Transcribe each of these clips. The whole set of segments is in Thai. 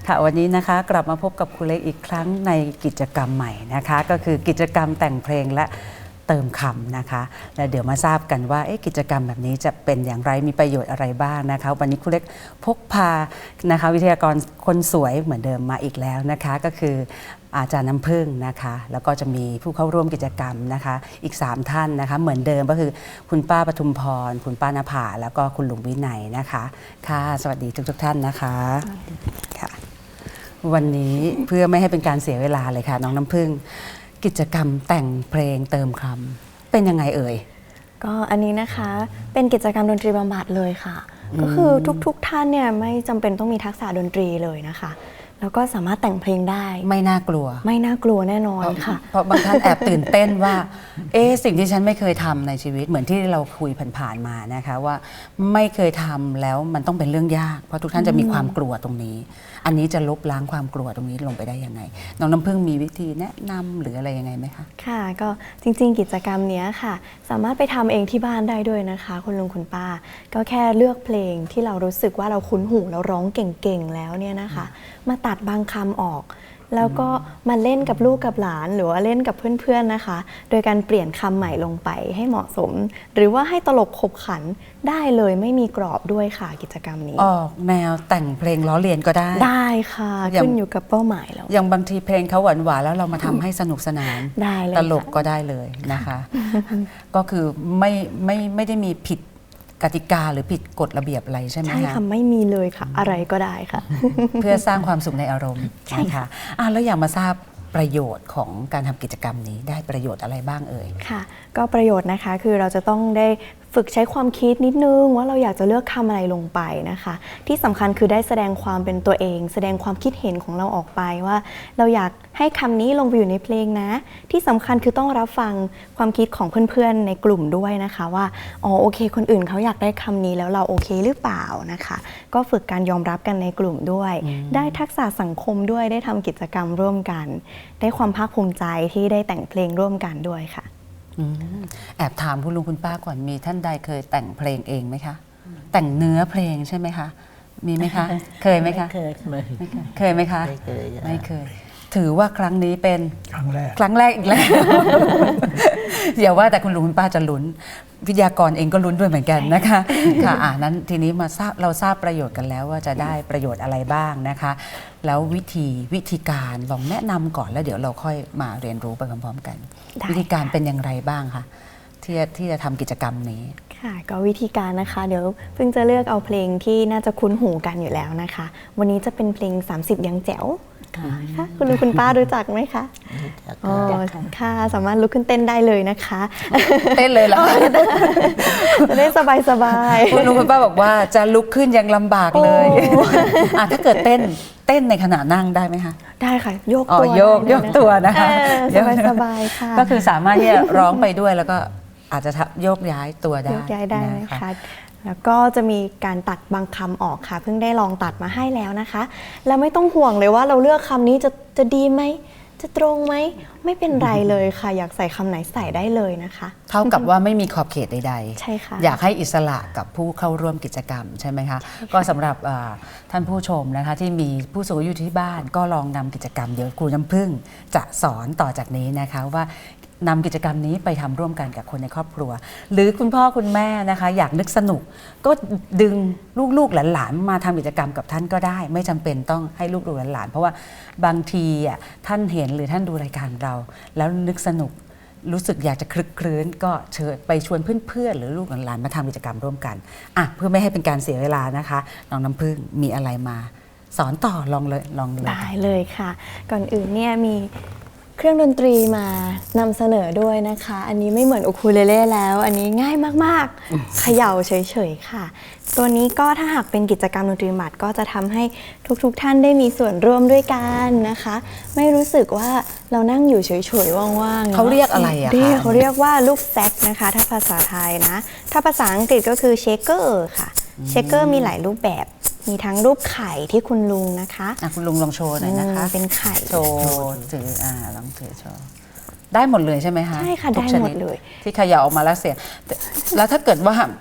ค่ะวันนี้นะคะกลับมาพบกับครูเล็กอีกครั้งในกิจกรรมใหม่นะคะก็คือกิจกรรมแต่งเพลงและเติมคำนะคะและเดี๋ยวมาทราบกันว่ากิจกรรมแบบนี้จะเป็นอย่างไรมีประโยชน์อะไรบ้างนะคะวันนี้ครูเล็กพกพานะคะวิทยากรคนสวยเหมือนเดิมมาอีกแล้วนะคะก็คืออาจารย์น้ำพึ่งนะคะแล้วก็จะมีผู้เข้าร่วมกิจกรรมนะคะอีก3ท่านนะคะเหมือนเดิมก็คือคุณป้าปทุมพรคุณป้านภาแล้วก็คุณลุงวินัยนะคะค่ะสวัสดีทุกท่านนะคะค่ะวันนี้เพื่อไม่ให้เป็นการเสียเวลาเลยค่ะน้องน้ำพึ่งกิจกรรมแต่งเพลงเติมคำเป็นยังไงเอ่ยก็อันนี้นะคะเป็นกิจกรรมดนตรีบำบัดเลยค่ะก็คือทุกท่านเนี่ยไม่จำเป็นต้องมีทักษะดนตรีเลยนะคะแล้วก็สามารถแต่งเพลงได้ไม่น่ากลัวไม่น่ากลัวแน่นอนค่ะเพราะบางท่านแอบตื่นเต้นว่าสิ่งที่ฉันไม่เคยทำในชีวิตเหมือนที่เราคุยผ่านๆมานะคะว่าไม่เคยทำแล้วมันต้องเป็นเรื่องยากเพราะทุกท่านจะมีความกลัวตรงนี้อันนี้จะลบล้างความกลัวตรงนี้ลงไปได้ยังไงน้องน้ำพึ่งมีวิธีแนะนำหรืออะไรยังไงไหมคะค่ะก็จริงๆกิจกรรมนี้ค่ะสามารถไปทำเองที่บ้านได้ด้วยนะคะคุณลุงคุณป้าก็แค่เลือกเพลงที่เรารู้สึกว่าเราคุ้นหูเราร้องเก่งๆแล้วเนี่ยนะคะมาตัดบางคำออกแล้วก็มาเล่นกับลูกกับหลานหรือว่าเล่นกับเพื่อนๆนะคะโดยการเปลี่ยนคำใหม่ลงไปให้เหมาะสมหรือว่าให้ตลกขบขันได้เลยไม่มีกรอบด้วยค่ะกิจกรรมนี้ออกแนวแต่งเพลงล้อเลียนก็ได้ได้ค่ะขึ้นอยู่กับเป้าหมายแล้วอย่างบางทีเพลงเขาหวานๆแล้วเรามาทำให้สนุกสนานได้เลยตลกก็ได้เลยนะคะก็คือไม่ได้มีผิดกติกาหรือผิดกฎระเบียบอะไรใช่ไหมคะใช่ค่ะไม่มีเลยค่ะอะไรก็ได้ค่ะเพื่อสร้างความสุขในอารมณ์นะคะแล้วอยากมาทราบประโยชน์ของการทำกิจกรรมนี้ได้ประโยชน์อะไรบ้างเอ่ยค่ะก็ประโยชน์นะคะคือเราจะต้องได้ฝึกใช้ความคิดนิดนึงว่าเราอยากจะเลือกคำอะไรลงไปนะคะที่สำคัญคือได้แสดงความเป็นตัวเองแสดงความคิดเห็นของเราออกไปว่าเราอยากให้คำนี้ลงไปอยู่ในเพลงนะที่สำคัญคือต้องรับฟังความคิดของเพื่อนๆในกลุ่มด้วยนะคะว่าโอเคคนอื่นเขาอยากได้คำนี้แล้วเราโอเคหรือเปล่านะคะก็ฝึกการยอมรับกันในกลุ่มด้วยได้ทักษะสังคมด้วยได้ทำกิจกรรมร่วมกันได้ความภาคภูมิใจที่ได้แต่งเพลงร่วมกันด้วยค่ะแอบถามคุณลุงคุณป้าก่อนมีท่านใดเคยแต่งเพลงเองไหมคะแต่งเนื้อเพลงใช่ไหมคะมีไหมคะเคยไหมคะเคยไหมคะไม่เคยถือว่าครั้งนี้เป็นครั้งแรกอีกแล้วอย่าว่าแต่คุณลุงคุณป้าจะลุ้นวิทยากรเองก็ลุ้นด้วยเหมือนกันนะคะค่ะนั้นทีนี้มาเราทราบประโยชน์กันแล้วว่าจะได้ประโยชน์อะไรบ้างนะคะแล้ววิธีการลองแนะนำก่อนแล้วเดี๋ยวเราค่อยมาเรียนรู้ไปพร้อมๆกันวิธีการเป็นอย่างไรบ้างคะที่จะทำกิจกรรมนี้ค่ะก็วิธีการนะคะเดี๋ยวเพิ่งจะเลือกเอาเพลงที่น่าจะคุ้นหูกันอยู่แล้วนะคะวันนี้จะเป็นเพลง30ยังแจ๋วค่ะคุณลุงคุณป้ารู้จักไหมคะค่ะสามารถลุกขึ้นเต้นได้เลยนะคะเต้นเลยเหรอจะได้สบายๆคุณลุงคุณป้าบอกว่าจะลุกขึ้นยังลำบากเลยถ้าเกิดเต้นในขณะนั่งได้ไหมคะได้ค่ะโยกตัวโยกตัวนะคะสบายค่ะก็คือสามารถที่จะร้องไปด้วยแล้วก็อาจจะโยกย้ายตัวได้โยกย้ายได้นะคะแล้วก็จะมีการตัดบางคำออกค่ะเพิ่งได้ลองตัดมาให้แล้วนะคะแล้วไม่ต้องห่วงเลยว่าเราเลือกคำนี้จะดีไหมจะตรงไหมไม่เป็นไรเลยค่ะอยากใส่คำไหนใส่ได้เลยนะคะเท่ากับว่าไม่มีขอบเขตใดๆใช่ค่ะอยากให้อิสระกับผู้เข้าร่วมกิจกรรมใช่ไหมคะก็สำหรับท่านผู้ชมนะคะที่มีผู้สูงอายุที่บ้านก็ลองนำกิจกรรมเดี๋ยวครูน้ำพึ่งจะสอนต่อจากนี้นะคะว่านำกิจกรรมนี้ไปทำร่วมกันกับคนในครอบครัวหรือคุณพ่อคุณแม่นะคะอยากนึกสนุกก็ดึงลูกหลานมาทำกิจกรรมกับท่านก็ได้ไม่จำเป็นต้องให้ลูกหลานเพราะว่าบางทีท่านเห็นหรือท่านดูรายการเราแล้วนึกสนุกรู้สึกอยากจะคลึกคลื้นก็เชิญไปชวนเพื่อนๆหรือลูกหลานมาทำกิจกรรมร่วมกันเพื่อไม่ให้เป็นการเสียเวลานะคะน้องน้ำพึ่งมีอะไรมาสอนต่อลองเลยได้เลยค่ะก่อนอื่นเนี่ยมีเครื่องดนตรีมานำเสนอด้วยนะคะอันนี้ไม่เหมือนอูคูเลเล่แล้วอันนี้ง่ายมากๆเขย่าเฉยๆค่ะตัวนี้ก็ถ้าหากเป็นกิจกรรมดนตรีหมัดก็จะทำให้ทุกท่านได้มีส่วนร่วมด้วยกันนะคะไม่รู้สึกว่าเรานั่งอยู่เฉยๆว่างๆเขาเรียกอะไรอะคะเขาเรียกว่าลูกแซกนะคะถ้าภาษาไทยนะถ้าภาษาอังกฤษก็คือเชคเกอร์ค่ะเชคเกอร์มีหลายรูปแบบมีทั้งรูปไข่ที่คุณลุงนะคะคุณลุงลองโชว์หน่อยนะคะเป็นไข่โชว์ถือลองถือโชว์ได้หมดเลยใช่ไหมคะใช่ค่ะได้หมดเลยที่เขย่าออกมาแล้วเสียงแล้วถ้าเกิดว่า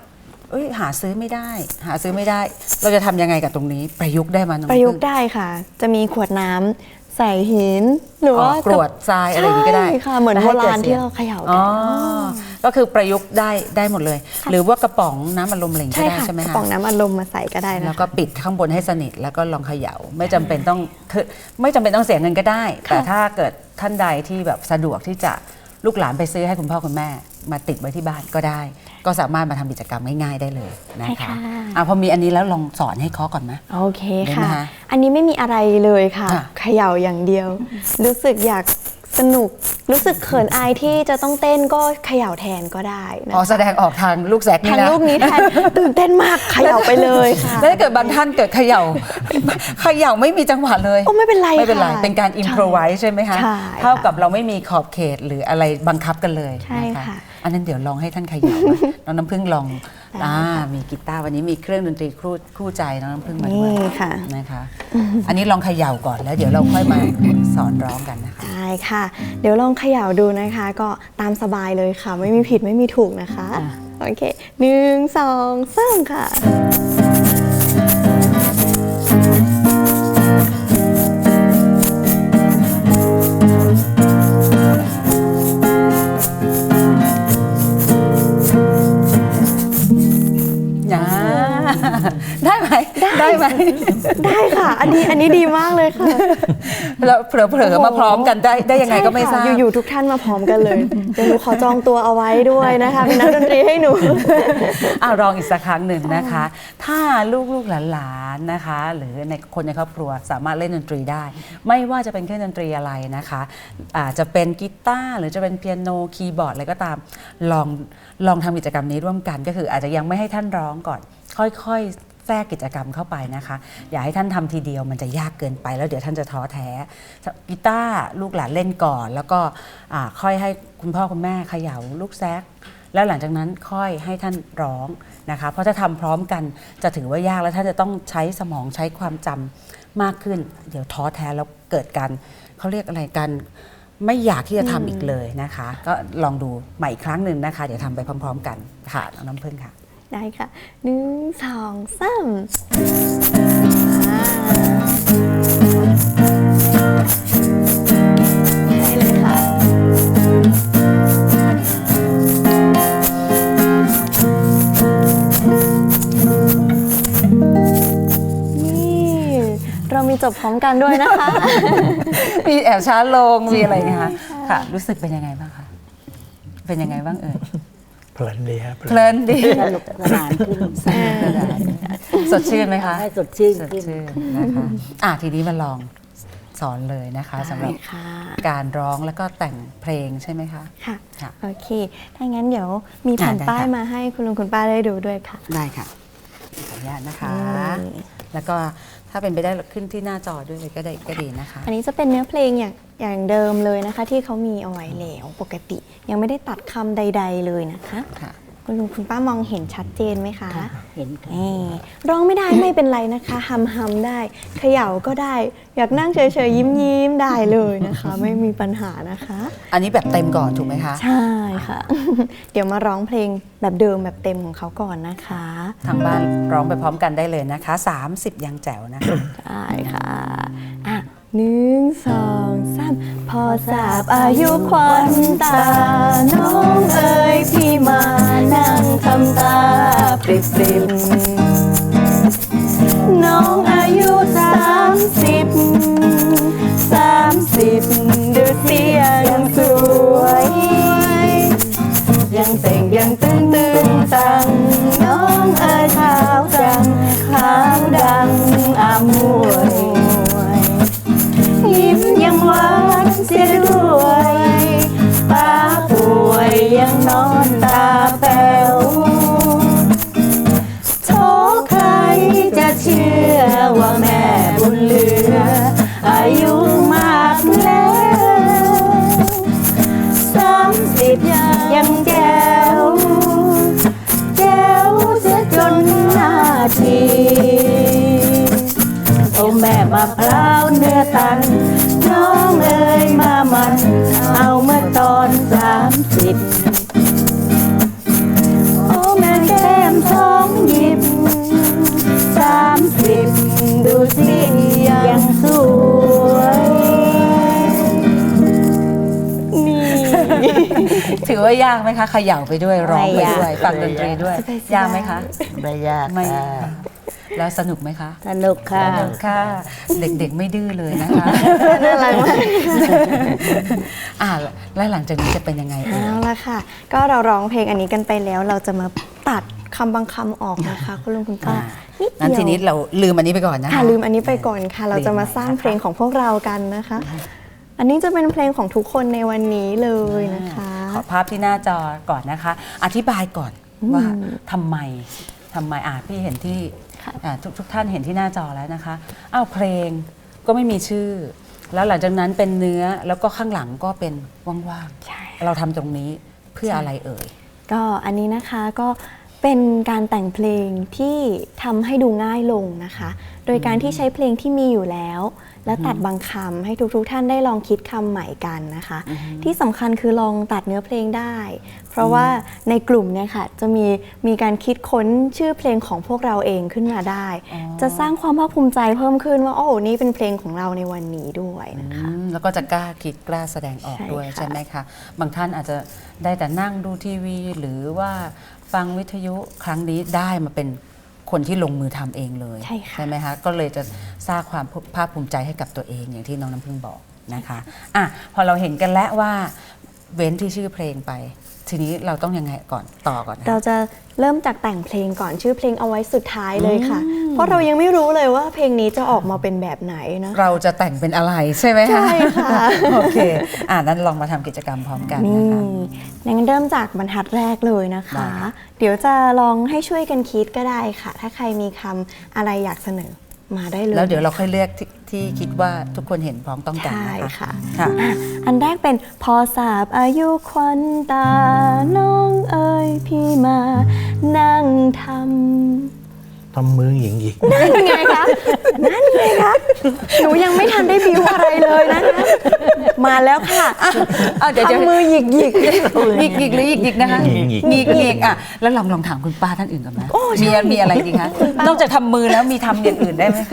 เอ้ยหาซื้อไม่ได้ เราจะทำยังไงกับตรงนี้ประยุกต์ได้มาน้องประยุกต์พึ่งได้ค่ะ จะมีขวดน้ำใส่หิน หรือว่ากรวดทรายอะไรอย่างนี้ก็ได้ใช่ค่ะเหมือนแล้วโบให้กิดราณสีที่ยงเราเขย่าอ๋กัอน ก็คือประยุกต์ได้หมดเลย หรือว่ากระป๋องน้ำอัดลมอะไรอย่างนี้ใช่ก็ได้ค่ะใช่ไหมกระคะป๋องน้ำอัดลมมาใส่ก็ได้นะแล้วก็ปิดข้างบนให้สนิทแล้วก็ลองเขย่าไม่จำเป็นต้องคือไม่จำเป็นต้องเสียเงินก็ได้ แต่ถ้าเกิดท่านใดที่แบบสะดวกที่จะลูกหลานไปซื้อให้คุณพ่อคุณแม่มาติดไว้ที่บ้านก็ได้ ก็สามารถมาทำกิจกรรมง่ายๆได้เลยนะคะพอมีอันนี้แล้วลองสอนให้เคาะก่อนไหมโอเคได้ไหมค่ะคะอันนี้ไม่มีอะไรเลยค่ะค่ะเขย่าอย่างเดียว รู้สึกอยากสนุก รู้สึกเขินอายที่จะต้องเต้นก็เขย่าแทนก็ได้นะอ๋อแสดงออกทางลูกแซกนี่ทางนะรูปนี้แทนตื่นเต้นมากเขย่าไปเลยค่ะแล้วถ้าเกิดบางท่านเกิดเขย่า ไม่มีจังหวะเลยโอ้ไม่เป็นไรไม่เป็นไรค่ะเป็นการอิมพรไวส์ใช่ไหมคะใช่เท่ากับเราไม่มีขอบเขตหรืออะไรบังคับกันเลยใช่นะคะค่ะอันนั้นเดี๋ยวลองให้ท่านเขย่าน้องน้ำพึ่งลองได้ค่ะมีกีตาร์วันนี้มีเครื่องดนตรีคู่ใจน้องน้ำพึ่งมาด้วยนี่ค่ะนะคะอันนี้ลองเขย่าก่อนแล้วเดี๋ยวเราค่อยมาสอนร้องกันนะคะได้ค่ะ เดี๋ยวลองเขย่าดูนะคะ ก็ตามสบายเลยค่ะ ไม่มีผิดไม่มีถูกนะคะ โอเค1 2 3ค่ะได้ไหมได้ไหมได้ค่ะ อันนี้ดีมากเลยค่ะแล้วเผลอๆมาพร้อมกันได้ยังไงก็ไม่ทราบใช่ค่ะอยู่ๆทุกท่านมาพร้อมกันเลย เดี๋ยวหนูขอจองตัวเอาไว้ด้วยนะคะ เป็นนักดนตรีให้หนูลองอีกสักครั้งหนึ่งนะคะ ถ้าลูกๆหลานๆนะคะ หรือในคนในครอบครัวสามารถเล่นดนตรีได้ ไม่ว่าจะเป็นเครื่องดนตรีอะไรนะคะอาจจะเป็นกีตาร์หรือจะเป็นเปียโนคีย์บอร์ดอะไรก็ตามลองทำกิจกรรมนี้ร่วมกันก็คืออาจจะยังไม่ให้ท่านร้องก่อน ค่อยๆแทรกกิจกรรมเข้าไปนะคะ อย่าให้ท่านทำทีเดียวมันจะยากเกินไปแล้วเดี๋ยวท่านจะท้อแท้กีตาร์ลูกหลานเล่นก่อน แล้วก็ค่อยให้คุณพ่อคุณแม่เขย่าลูกแซกแล้วหลังจากนั้นค่อยให้ท่านร้องนะคะเพราะถ้าทำพร้อมกันจะถือว่ายากแล้วท่านจะต้องใช้สมองใช้ความจำมากขึ้น เดี๋ยวท้อแท้แล้วเกิดการเขาเรียกอะไรกันไม่อยากที่จะทำอีกเลยนะคะ ก็ลองดูใหม่อีกครั้งหนึ่งนะคะ เดี๋ยวทำไปพร้อมๆกันค่ะน้ำพึ่งค่ะได้ค่ะ1 2 3ได้เลยค่ะ นี่เรามีจบพร้อมกันด้วยนะคะมีแอบช้าลงมีอะไรนะคะค่ะ รู้สึกเป็นยังไงบ้างคะเป็นยังไงบ้างเอ่ยเพลินดีครับเพลินดีสนุกสนานขึ้นสดชื่นไหมคะให้สดชื่นสดขึ้นชื่นนะคะทีนี้มาลองสอนเลยนะคะสำหรับได้ค่ะการร้องแล้วก็แต่งเพลงใช่ไหมคะค่ะค่ะโอเค ถ้างั้นเดี๋ยวมีแผ่นได้ป้ายค่ะมาให้คุณลุงคุณป้าได้ดูด้วยค่ะได้ค่ะขออนุญาตนะคะนี่แล้วก็ถ้าเป็นไปได้ขึ้นที่หน้าจอด้วยก็ดีนะคะอันนี้จะเป็นเนื้อเพลงอย่างเดิมเลยนะคะ ที่เขามีเอาไว้แล้วปกติ ยังไม่ได้ตัดคำใด ๆ เลยนะคะค่ะคุณลุงคุณป้ามองเห็นชัดเจนไหมคะเห็นค่ะนี่ร้องไม่ได้ไม่เป็นไรนะคะฮัมได้เขย่าก็ได้ อยากนั่งเฉยๆยิ้มได้เลยนะคะ ไม่มีปัญหานะคะอันนี้แบบเต็มก่อนถูกไหมคะใช่ค่ะ เดี๋ยวมาร้องเพลงแบบเดิมแบบเต็มของเขาก่อนนะคะทางบ้านร้องไปพร้อมกันได้เลยนะคะ 30 ยังแจ๋วนะคะได้ค่ะอ่ะ1 2 3 พอทราบอายุควันตา น้องเอ๋ยพี่มานั่งทำตาปริบๆน้องอายุ30 ดูเสียยังสวย ยังเต่งยังตึงตัง น้องเอ๋ยขาวจังขาวดังอามวยยิ้มยังหวานเสียด้วยป้าป่วยยังนอนตาแป๋วโทใครจะเชื่อว่าแม่บุญเหลือ อายุมากแล้ว30ยังแจ๋วเสียจนหน้าทีโอ้แม่มะพร้าวเนื้อตัน น้องเอ๋ยมามัน เอาเมื่อตอน30โอ้แม่แก้มทององหยิบ30ดูสิยังสวยนี่ถือว่ายากไหมคะเขย่าไปด้วยร้องไปด้วยไม่ยากฟังดนตรีด้วย ยากไหมคะไม่ยากไม่ค่ะแล้วสนุกไหมคะสนุกค่ะสนุกค่ะ เด็กๆไม่ดื้อเลยนะคะน่ารักมากแล้วหลังจากนี้จะเป็นยังไงเอ่ยเอาละค่ะ ก็เราร้องเพลงอันนี้กันไปแล้ว เราจะมาตัดคำบางคำออกนะคะ คุณลุงคุณป้านิดงั้นทีเดีนี้ยวเราลืมอันนี้ไปก่อนนะคะค่ะลืมอันนี้ไปก่อนค่ะ เราจะมาสร้างเพลงของพวกเรากันนะคะ อันนี้จะเป็นเพลงของทุกคนในวันนี้เลยนะคะขอภาพที่หน้าจอก่อนนะคะ อธิบายก่อนว่าทำไมพี่เห็นที่ค่ะทุกท่านเห็นที่หน้าจอแล้วนะคะอ้าวเพลงก็ไม่มีชื่อ แล้วหลังจากนั้นเป็นเนื้อแล้วก็ข้างหลังก็เป็นว่างใช่ๆเราทำตรงนี้เพื่ออะไรเอ่ยก็อันนี้นะคะก็เป็นการแต่งเพลงที่ทำให้ดูง่ายลงนะคะ โดยการที่ใช้เพลงที่มีอยู่แล้ว และตัดบางคำให้ทุกๆท่านได้ลองคิดคำใหม่กันนะคะ ที่สำคัญคือลองตัดเนื้อเพลงได้ เพราะว่าในกลุ่มเนี่ยค่ะจะมีการคิดค้นชื่อเพลงของพวกเราเองขึ้นมาได้ จะสร้างความภาคภูมิใจเพิ่มขึ้นว่าโอ้นี่เป็นเพลงของเราในวันนี้ด้วยนะคะแล้วก็จะกล้าคิดกล้าแสดงออกใช่ด้วยค่ะใช่ไหมคะ บางท่านอาจจะได้แต่นั่งดูทีวี หรือว่าฟังวิทยุครั้งนี้ได้มาเป็นคนที่ลงมือทำเองเลยใช่ค่ะไหมคะ ก็เลยจะสร้างความภาคภูมิใจให้กับตัวเองอย่างที่น้องน้ำพึ่งบอกนะคะพอเราเห็นกันแล้วว่าเว้นที่ชื่อเพลงไป ทีนี้เราต้องยังไงก่อนต่อก่อนนะเราจะเริ่มจากแต่งเพลงก่อนชื่อเพลงเอาไว้สุดท้ายเลยค่ะ เพราะเรายังไม่รู้เลยว่าเพลงนี้จะออกมาเป็นแบบไหนนะเราจะแต่งเป็นอะไรใช่ไหมคะใช่ค่ะโอเคนั้นลองมาทำกิจกรรมพร้อมกันนี่นะคะงั้นเริ่มจากบรรทัดแรกเลยนะคะได้ค่ะเดี๋ยวจะลองให้ช่วยกันคิดก็ได้ค่ะ ถ้าใครมีคำอะไรอยากเสนอมาได้เลยแล้วเดี๋ยวเราค่อยเลือกที่คิดว่าทุกคนเห็นพร้อมต้องกันใช่นะคะค่ะค่ะอันแรกเป็นพอสาบอายุควันตา น้องเอ๋ยพี่มานั่งทำทำมือหยิงหยิกนั่นไงคะ นั่นไงคะ หนูยังไม่ทันได้บิวอะไรเลยนะคะ มาแล้วค่ะเดี๋ยวทำมือหยิกหยิกหยิกหยิกหรือหยิกหยิกนะคะหยิกหยิกหยิกหยิกแล้วลองถามคุณป้าท่านอื่นกันไหมโอ้ใช่มีอะไรดีคะนอกจากทำมือแล้วมีทำอย่างอื่นได้ไหมคะ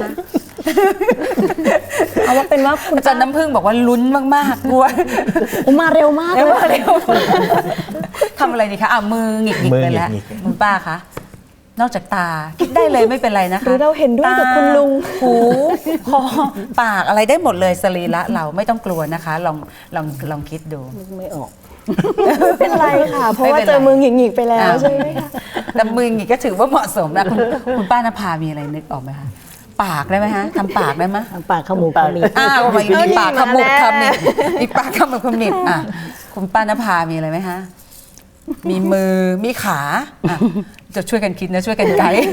เอาว่าเป็นว่าคุณอาจารย์น้ำพึ่งบอกว่าลุ้นมากๆกลัวมาเร็วมากเร็เลวย เร็วทำอะไรดีคะมือหงิกหงิกไปแล้วมือหงิกหงิกคุณป้าคะนอกจากตาคิดได้เลยไม่เป็นไรนะคะหรือเราเห็นด้วยกับคุณลุงตาหูคอปากอะไรได้หมดเลยสรีระเราไม่ต้องกลัวนะคะ ลองคิดดูไม่ออกไม่เป็นไรค่ะ เพราะว่าไม่เป็นไรเจอมือหงิกๆไปแล้วใช่ไหมคะแต่มือหงิกก็ถือว่าเหมาะสมนะคุณป้านภามีอะไรนึกออกไหมคะปากได้ไหมฮะทำปากได้ไหมทางปากขมูกขมิบมีปากขมุบมาแล้วขมิบมีปากขมุบขมิบคุณป้านภามีอะไรไหมฮะมีมือมีขาจะช่วยกันคิดนะช่วยกันไกด์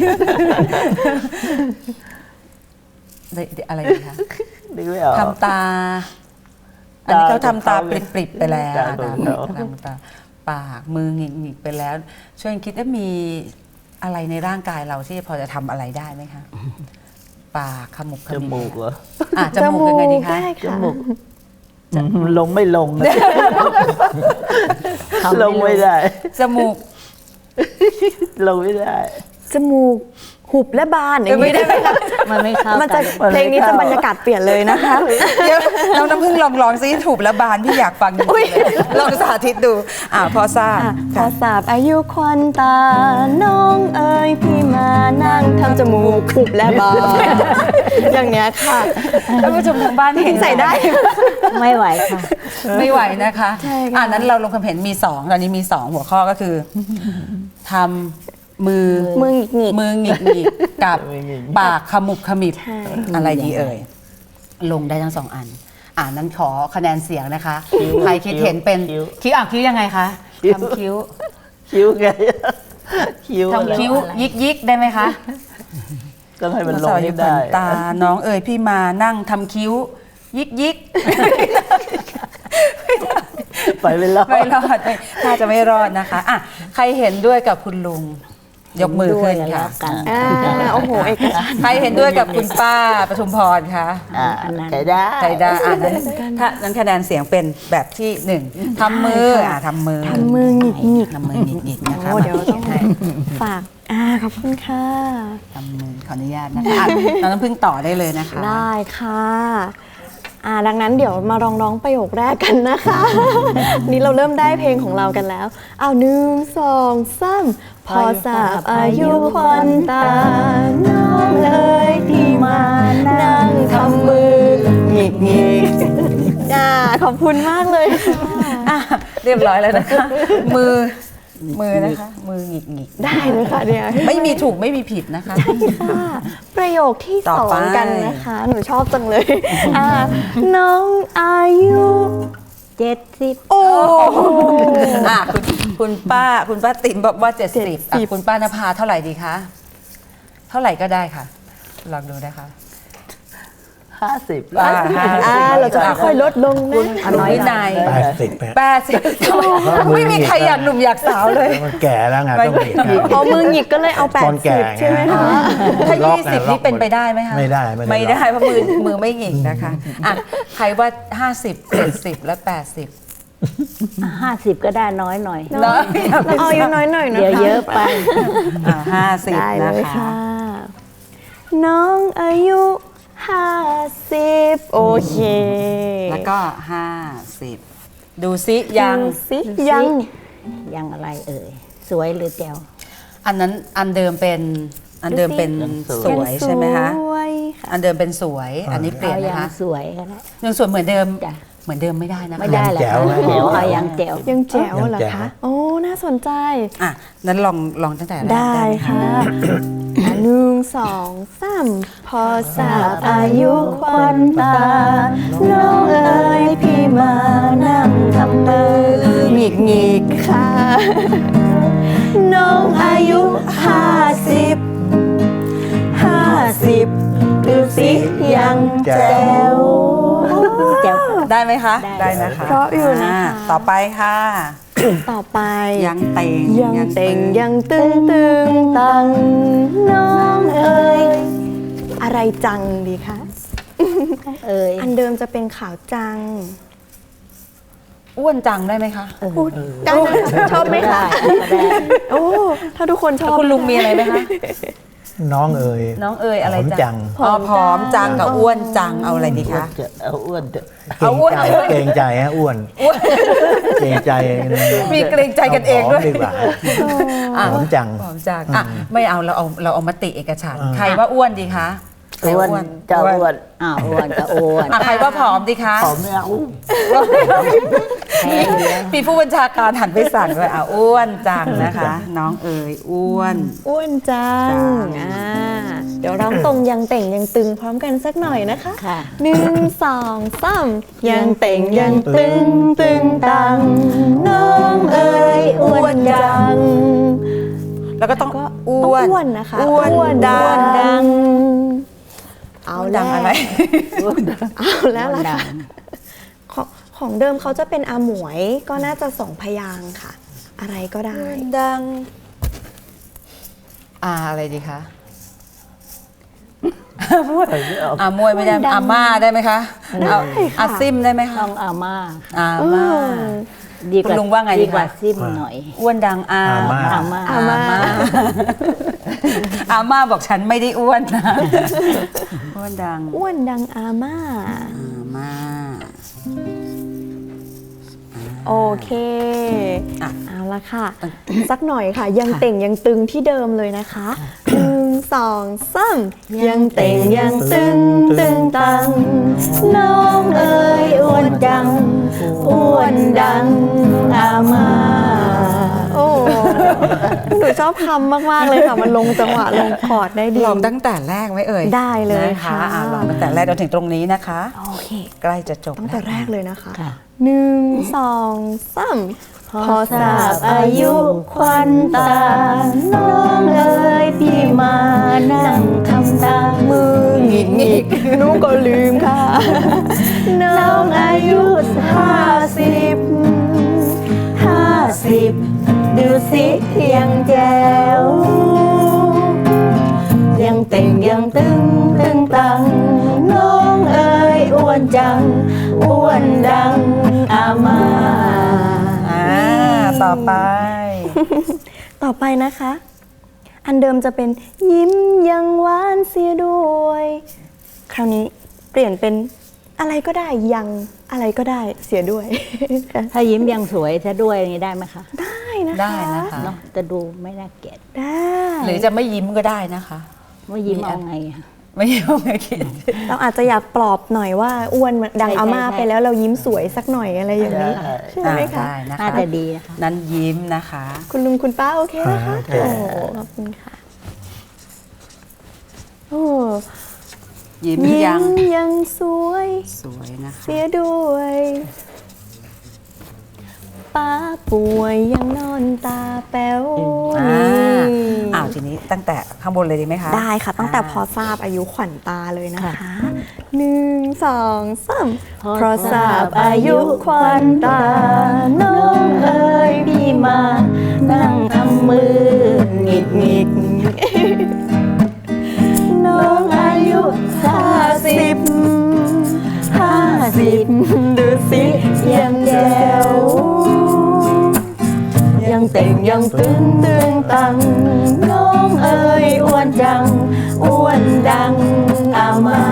อะไรดีคะนึกไม่ออกทำตา อันนี้เขาทำตาปริบๆไปแล้วตาของเขาทำตาปากมือหงิกๆไปแล้ว ช่วยคิดว่ามีอะไรในร่างกายเราที่พอจะทำอะไรได้ไหมคะปากขมุบขจมิบมูกเหรอจมูกยังไงดีคะได้จค่ะมูกลงไม่ลงนะทำลงไม่ได้จมูกลงไม่ได้จมูกหุบและบานอย่างไม่นี้ได้ไหมคะมันไม่เข้ามันกัจะนเพลงนี้จะบรรยากาศเปลี่ยนเลยนะคะเดี๋ยวน้องน้ำพึ่งลองซิถูกแล้วบานพี่อยากฟังจริงๆเลยลองสาธิตดูพอทราบพอสาบอายุควันตา น้องเอ๋ยพี่มานั่งทำจมูกหุบและบานอย่างเนี้ยค่ะท่านผู้ชมทางบ้านเห็นใส่ได้ไม่ไหวค่ะไม่ไหวนะคะใช่ค่ะนั้นเราลงความเห็นมี2ตอนนี้มี2หัวข้อก็คือทำมือมือหงิกหงิกมือหงิกหงิกกับมือหงิกปากขมุบขมิบใช่อะไรดีเอ่ยลงได้ทั้ง2อันนั้นขอคะแนนเสียงนะคะใครคิดเห็นเป็นคิ้วคิ้วยังไงคะทำคิ้วคิ้วไงคิ้วอะไรทำคิ้วยิกยิกได้ไหมคะต้องให้มันลงให้ขได้นตาน้องเอ๋ยพี่มานั่งทำคิ้ว ยิกยิกไปไม่รอดไม่รอดถ้าจะไม่รอดนะคะใครเห็นด้วยกับคุณลุงยกมือขึ้นด้วยแล้ค่ะวกันโอ้โหเอกฉันท์ใครเห็นด้วยกับคุณป้าปทุมพรคะอันนั้นใช้ได้ใครได้นั้นคะแนนเสียงเป็นแบบที่หนึ่งทำมือทำมือทำมือหงิกหงิกทำมือหงิกๆนะคะโอ้เดี๋ยวต้องให้ฝากขอบคุณค่ะทำมือขออนุญาตนะคะน้องน้ำพึ่งต่อได้เลยนะคะได้ค่ะดังนั้นเดี๋ยวมาลองร้องประโยคแรกกันนะคะ นี่เราเริ่มได้เพลงของเรากันแล้วหนึ่งสองสามพอทราบอายุควันตาน้องเอ๋ยพี่มานั่งทำมือหงิกหงิกขอบคุณมากเลยค่ะเรียบร้อยแล้วนะคะ มือนะคะ มือหงิกหงิกได้เลยค่ะเนี่ยไม่มีถูกไม่มีผิดนะคะค่ะประโยคที่ต่สออไปงกันนะคะ หนูชอบจังเลยน้องอายุ 70 โอ้คุณป้าติ๋มบอกว่า70คุณป้านภาเท่าไหร่ดีคะเท่าไหร่ก็ได้ค่ะลองดูนะคะ 50 เราจะค่อยๆลดลงนะคุณวินัย 80 ไม่มีใครอยากหนุ่มอยากสาวเลยมันแก่แล้วไงต้องมีพอมือหงิกก็เลยเอาตอนแก่ 80 ใช่ไหมคะถ้าล็อกไง 20 นี่เป็นไปได้ไหมคะไม่ได้ไม่ได้เพราะมือไม่หงิกนะคะใครว่า50 70และ80 50 ก็ได้น้อยหน่อยน้อยเอาอายุน้อยหน่อยนะคะเดี๋ยวเยอะไป 50 ได้เลนะยคะค่ะ น้องอายุ50โอเคแล้วก็50ดูซิยังดูสิยังยังอะไรเอ่ย สวยหรือแจ๋วอันนั้นอันเดิมเป็นสวยใช่ไหมคะสวยค่ะอันเดิมเป็นสวย อันนี้เปลี่ยนเอานะยังคะสวยก็ได้ยังสวยเหมือนเดิมจ้ะเหมือนเดิมไม่ได้นะคะไม่ได้แหละแจ๋วไหมแจ๋วเอายังแจ๋วยังแจ๋วเหรอยังแจ๋วคะ โอ้ น่าสนใจนั้นลองตั้งแต่แรกได้หมค่ะหนึ่งสองสามพอทราบอายุควันตา น้องเอ๋ยพี่มานั่งทำมือหงิกหงิกค่ะ น้องอายุ50ดูสิยังแจ๋วแจ๋วได้ไหมคะได้นะคะเพราะอยู่นะคะต่อไปค่ะต่อไปยังเต็งยังเต่งยังตึงตึงตังน้องเอ๋ยอะไรจังดีคะเอ่ยอันเดิมจะเป็นขาวจังอ้วนจังได้ไหมคะพูดได้ไหมคะชอบไหมคะก็ได้โอ้ถ้าทุกคนชอบคุณลุงมีอะไรไหมคะน้องเอ๋ยน้องเอ๋ยอะไรหอมจังผอมจังกับอ้วนจังเอาอะไรดีคะเอาอ้วนเถอะเอาอ้วนเกรงใจฮะอ้วนเกรงใจมีเกรงใจกันเองด้วยาผมดีกว่าหอมจังผอมจังไม่เอาเราเอามติเอกฉันท์อ่าใครว่าอ้วนดีคะใครอ้วนจะอ้วนอ้วนก็อ้วนใครว่าผอมดีคะผอมไม่เอาแพงเยอะมีผู้บัญชาการหันไปสั่งเลยอ้วนจังนะคะ น้องเอ๋ยอ้วนอ้วนจังจังเดี๋ยวร้องตรงยังเต่งยังตึงพร้อมกันสักหน่อยนะคะค่ะหนึ่งสองสามยังเต่งยังตึงตึงตังน้องเอ๋ยอ้วนจังแล้วก็ต้องก็อ้ต้องวนอ้วนนะคะอ้วนดังเอาอ้วนแล้ดัวงอะไรเอาแล้วล่ะค่ะของเดิมเขาจะเป็นอาหมวยก็น่าจะสองพยางค์ค่ะ อะไรก็ได้ดังอะไรดีคะมวยไม่ได้อาม่าได้ไหมคะเอาอาซิมได้ไหมคะต้องอาม่าอาม่าดีกว่าคุณลุงว่าไงดีดีกว่าคะซิมหน่อยอ้วนดังอาอาม่าอาม่าอาม่าบอกฉันไม่ได้อ้วนนะอ้วนดังอ้วนดังอาม่าอาม่าโอเคอ่ะเอาละค่ะ สักหน่อยค่ะ ยังเต่งยังตึงที่เดิมเลยนะคะหนึ่งสองสามยังเต่งยังตึงตึงตังน้องเอ๋ยอ้วนจังอ้วนดังอาม่าโอ้หนูชอบคำมาก ๆ เลยค่ะ มันลงจังหวะลงคอร์ดได้ดีลองตั้งแต่แรกไหมเอ่ยได้เลยนะคะค่ะลองตั้งแต่แรกจนถึงตรงนี้นะคะโอเคใกล้จะจบตั้งแต่แรกเลยนะคะค่ะหนึ่งสองสามพอทราบอายุควันตา น้องเอ๋ยพี่มานั่งทำตามือหงิกหงิกหนูก็ลืมค่ะ น้องอายุ50ดูสิยังแจ๋วยังตึงตังน้องเอ๋ยอ้วนจังอ้วนดังอาม่าต่อไปต่อไปนะคะ อันเดิมจะเป็นยิ้มยังหวานเสียด้วย คราวนี้เปลี่ยนเป็นอะไรก็ได้ยังอะไรก็ได้เสียด้วยถ้ายิ้มยังสวยซะด้วยอย่างนี้ได้ไหมคะได้นะคะได้นะคะเนาะจะดูไม่น่าเกลียดได้หรือจะไม่ยิ้มก็ได้นะคะว่ายิ้มเอาไงอะไม่ยิ้มไม่คิดเราอาจจะอยากปลอบหน่อยว่าอ้วนเหมือนดังใช่อาม่าใช่ไปแล้วเรายิ้มสวยสักหน่อยอะไรอย่างนี้ใช่ไหมคะได้นะคะน่าจะดีนะคะนั้นยิ้มนะคะคุณลุงคุณป้าโอเคนะคะโอเคโอ้ขอบคุณค่ะโอ้ยิ้มยิ้ยังมยังสวยสวยนะคะเสียด้วยป้าป่วยยังนอนตาแป๋วอ้าวทีนี้ตั้งแต่ข้างบนเลยดีไหมคะได้ค่ะ ตั้งแต่พอทราบอายุขวัญตาเลยนะคะ1 2 3เพราะทราบอายุขวัญตาน้องเอ๋ยพี่มานั่งทำมือหงิกน้องอายุ50ดูสิยังแจ๋วยังเต่งยังตึงตังน้องเอ๋ยอ้วนจังอ้วนดังอาม่า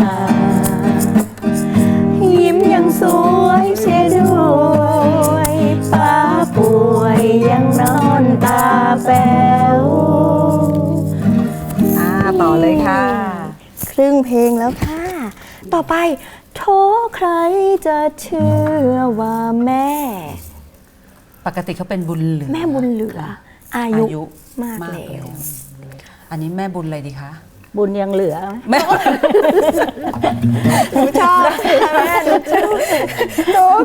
ยิ้มยังสวยเสียด้วยป้าป่วยยังนอนตาแป๋วต่อเลยค่ะครึ่งเพลงแล้วค่ะ ต่อไปโทใครจะเชื่อว่าแม่ปกติเขาเป็นบุญเหลือแม่บุญเหลือ อายุมากแล้วอันนี้แม่บุญอะไรดีคะบุญยังเหลือแม่หนูชอบค่ะแม่หนูชอบ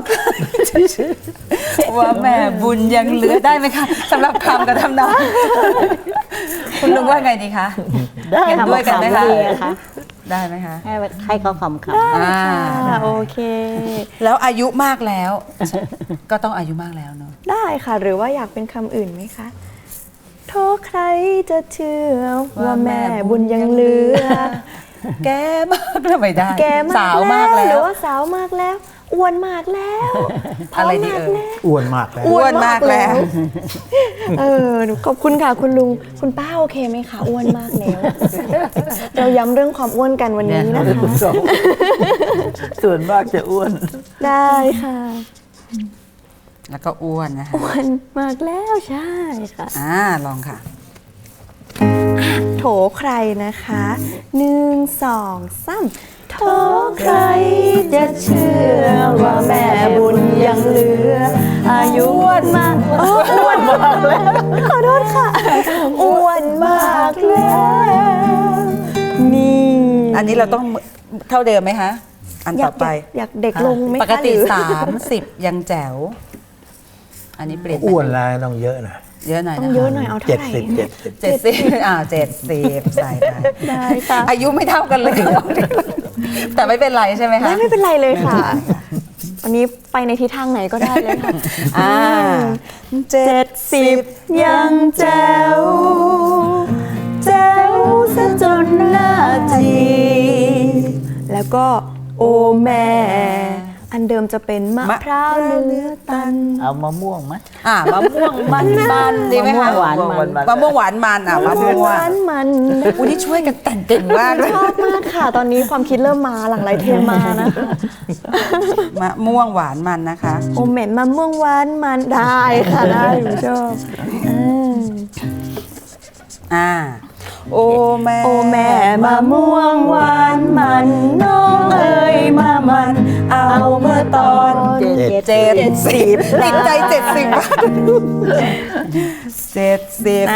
ว่าแม่บุญยังเหลือได้ไหมคะสำหรับคำกับทำนองคุณลุงว่าไงดีคะได้เห็นด้วยกันไหมคะดีอะค่ะได้ไหมคะให้เขาคำอ่าค่ะโอเคแล้วอายุมากแล้ว ก็ต้องอายุมากแล้วเนาะได้ค่ะ หรือว่าอยากเป็นคำอื่นไหมคะโทษใครจะเชื่อว่าแม่บุญยังเหลือแกมากแล้วไม่ได้แกมากสาวมากหแล้รืวอว่าสาวมากแล้วอ้วนมากแล้วพอะไรมดีมากเอ่ยแล้วอ้วนมากแล้วอ้วนมากแล้วหนูขอบคุณค่ะคุณลุงคุณป้าโอเคไหมคะอ้วนมากแล้ว เราย้ำเรื่องความอ้วนกันวันนี้นะคะส่วนมากจะอ้วนได้ค่ะแล้วก็อ้วนนะคะอ้วนมากแล้วใช่ค่ะลองค่ะโถใครนะคะ1 2 3โถใครจะเชื่อว่าแม่บุญยังเหลือ อายุอ้วนมากอ้วนมากแล้วขอโทษค่ะอ้วนมากแล้วนี่อันนี้เราต้องเท่าเดิมไหมคะ อันต่อไปอยากเด็กลงไหมคะปกติหรือ 30 ยังแจ๋ว อันนี้เปลี่ยนอ้วนแล้วต้องเยอะหน่อยเยอะหน่อยต้องนะเยคะอะหน่อยเอาเท่าไหร่ 70 70ใส่ไปได้ค่ะอายุไม่เท่ากันเลย แต่ไม่เป็นไรใช่ไหมคะไม่เป็นไรเลยค่ะ วันนี้ไปในทิศทางไหนก็ได้เลยค่ะ 70ยังแจ๋วแจ๋วซะจนหน้าจีแล้วก็โอแม่ อันเดิมจะเป็นมะพร้าวเนื้อตันเอามะม่วงไหมมะม่วงมันดีไหมคะมะม่วงหวานมันมะม่วงหวานมันมะม่วงหวานมันอุ้ยนี่ช่วยกันแต่งเก่งมากเลยชอบมากค่ะ ตอนนี้ความคิดเริ่มมาหลังไหลเทมานะคะมะม่วงหวานมันนะคะโอเหม็นมะม่วงหวานมันได้ค่ะได้หนูชอบโอแม่โอแม่มะม่วงหวานมันน้องเอ๋ยมามันเอาเมื่อตอน 70ติดใจ70มาก70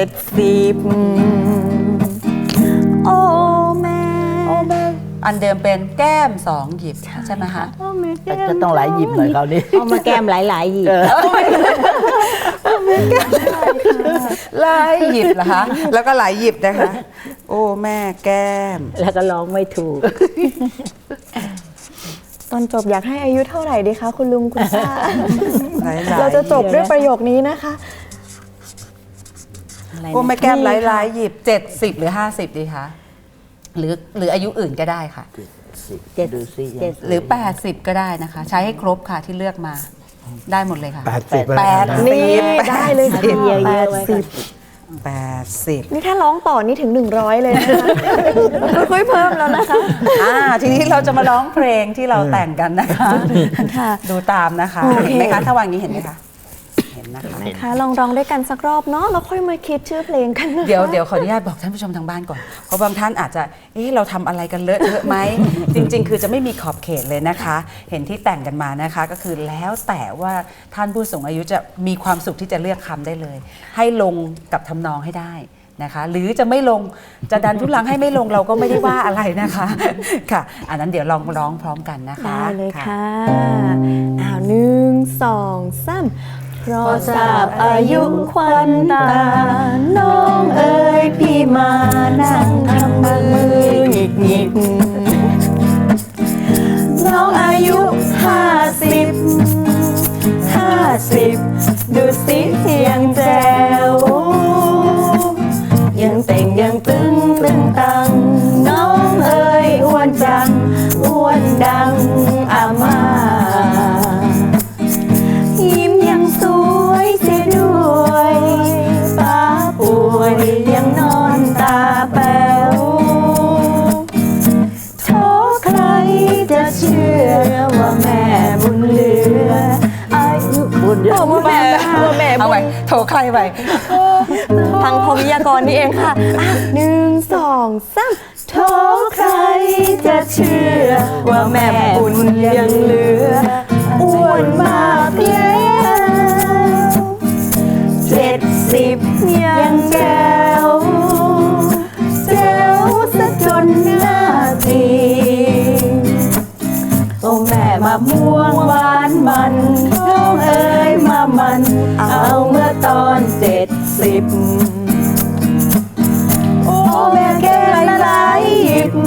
โอแม่อันเดิมเป็นแก้ม2 หยิบใช่ไหมคะแต่จะต้องหลายหยิบหน่อยคราวนี้เอามาแก้มหลายๆหยิบหลายหยิบเหรอคะ แล้วก็หลายหยิบนะคะ โอ้แม่แก้มแล้วก็ร้องไม่ถูกตอนจบอยากให้อายุเท่าไหร่ดีคะคุณลุงคุณป้าหลายๆเราจะจบด้วยประโยคนี้นะคะโอ้แม่แก้มหลายหยิบ70 หรือ 50 ดีคะหรืออายุอื่นก็ได้ค่ะ 70ดูสิยังหรือ 80 ก็ได้นะคะ ใช้ให้ครบค่ะที่เลือกมาได้หมดเลยค่ะ 80ไปแปแล้วดนะนี่ได้เลยค่ะเยอะๆไว้ก่อน 80 นี่ถ้าร้องต่อนี่ถึง 100 เลยนะคะค่อยๆเพิ่มแล้วนะคะทีนี้เราจะมาร้องเพลงที่เราแต่งกันนะคะค่ะดูตามนะคะโอเคเห็นไหมคะถ้าวางนี้เห็นไหมคะเห็นนะคะนะคะลองร้องด้วยกันสักรอบเนาะแล้วค่อยมาคิดชื่อเพลงกันนะคะเดี๋ยวขออนุญาตบอกท่านผู้ชมทางบ้านก่อน เพราะบางท่านอาจจะเราทำอะไรกันเลอะเทอะไหม จริง ๆ คือจะไม่มีขอบเขตเลยนะคะ เห็นที่แต่งกันมานะคะ ก็คือแล้วแต่ว่าท่านผู้สูงอายุจะมีความสุขที่จะเลือกคำได้เลย ให้ลงกับทำนองให้ได้นะคะ หรือจะไม่ลงจะดันทุลังให้ไม่ลงเราก็ไม่ได้ว่าอะไรนะคะ ค่ะ อันนั้นเดี๋ยวลองร้องพร้อมกันนะคะได้เลยค่ะ1 2 3เพราะทราบอายุควันตา น้องเอ๋ยพี่มานั่งทำมือหงิกหงิกน้องอายุ50 ดูสิยังแจ๋วยังเต่งยังตึงตัง น้องเอ๋ยอ้วนจังอ้วนดังอาม่ายิ้มยังสวยเสียด้วยป้าป่วยยังนอนตาแป๋วโทใครจะเชื่อว่าแม่บุญเหลืออายุบุญเยอะว่าแม่บุเอาญไว้โทรใครไปทางพวิทยากรนี่เองค่ะ1 2 3โทใครจะเชื่อว่าแม่บุญยังเหลืออ้วนมากแล้ว70ยังแก้วแจ๋วซะจนหน้าตีโอ้แม่มาม่วงหวานมันน้องเอ๋ยมามันเอาเมื่อตอน70โอ้แม่แก้หลายหยิบ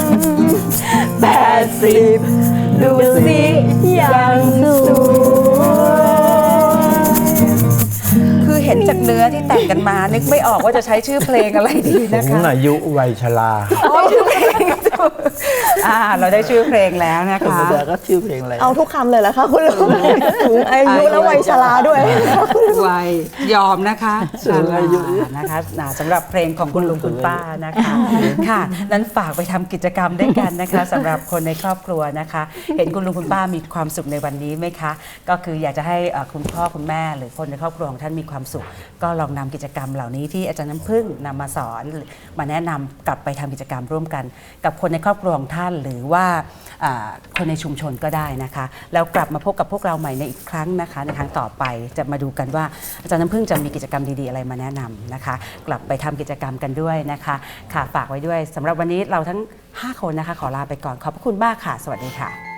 80ดูสิยังสวยคือเห็นจากเนื้อที่แต่งกันมา นึกไม่ออกว่าจะใช้ชื่อเพลงอะไรดีนะสูงคะอายุวัยชราชื่อเพลงถูกเราได้ชื่อเพลงแล้วนะธรรคะมดาก็ชื่อเพลงอะไรเอาทุกคำเลยเหรอคะคุณลุงสูงอายุและวัยชราด้วยวัยยอมนะคะสูงอายุนะคะสำหรับเพลงของคุณลุงคุณป้านะคะค่ะนั้นฝากไปทำกิจกรรมด้วยกันนะคะสำหรับคนในครอบครัวนะคะ เห็นคุณลุงคุณป้ามีความสุขในวันนี้ไหมคะ ก็คืออยากจะให้คุณพ่อคุณแม่หรือคนในครอบครัวของท่านมีความสุข ก็ลองนำกิจกรรมเหล่านี้ที่อาจารย์น้ำพึ่งนำมาสอนมาแนะนำกลับไปทำกิจกรรมร่วมกัน กับคนในครอบครัวของท่านหรือว่าคนในชุมชนก็ได้นะคะแล้วกลับมาพบกับพวกเราใหม่ในอีกครั้งนะคะในครั้งต่อไปจะมาดูกันว่าอาจารย์น้ำพึ่งจะมีกิจกรรมดีๆอะไรมาแนะนำนะคะ กลับไปทำกิจกรรมกันด้วยนะคะค่ะฝากไว้ด้วยสำหรับวันนี้เราทั้ง 5 คนนะคะขอลาไปก่อนขอบพระคุณมากค่ะสวัสดีค่ะ